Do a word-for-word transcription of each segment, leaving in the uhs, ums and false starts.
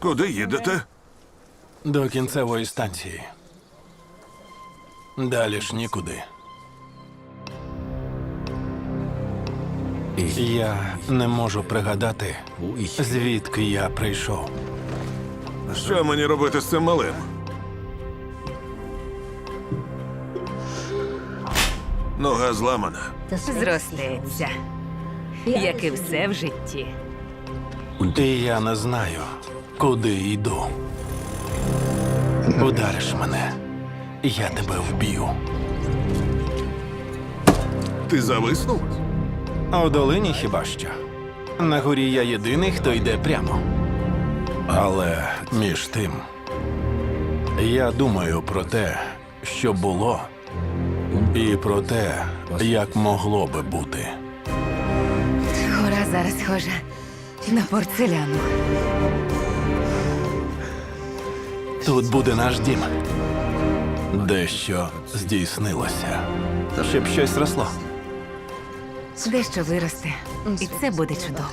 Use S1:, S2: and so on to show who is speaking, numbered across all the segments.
S1: Куди їдете?
S2: До кінцевої станції. Далі ж нікуди. Я не можу пригадати, звідки я прийшов.
S1: Що мені робити з цим малим? Нога зламана.
S3: Зростеться, як і все в житті.
S2: І я не знаю, куди йду. Удариш мене, я тебе вб'ю.
S1: Ти зависнув?
S2: У долині хіба що. На горі я єдиний, хто йде прямо. Але між тим, я думаю про те, що було, і про те, як могло би бути.
S3: Гора зараз схожа на порцеляну.
S2: Тут буде наш дім. Дещо здійснилося. Щоб щось росло.
S3: Дещо виросте, і це буде чудово.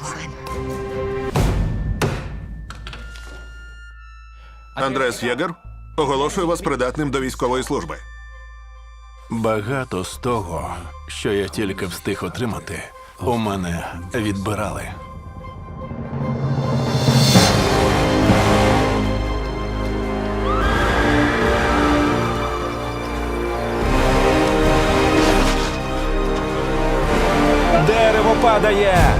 S1: Андрес Єгер, оголошую вас придатним до військової служби.
S2: Багато з того, що я тільки встиг отримати, у мене відбирали. Дерево падає!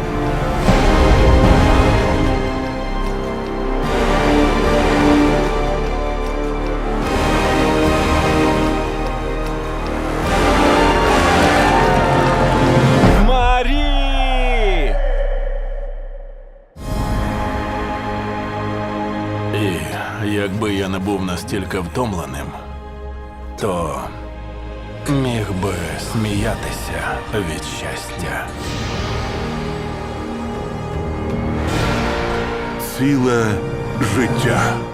S2: Марі! І якби я не був настільки втомленим, то міг би сміятися від щастя.
S1: Ціле життя.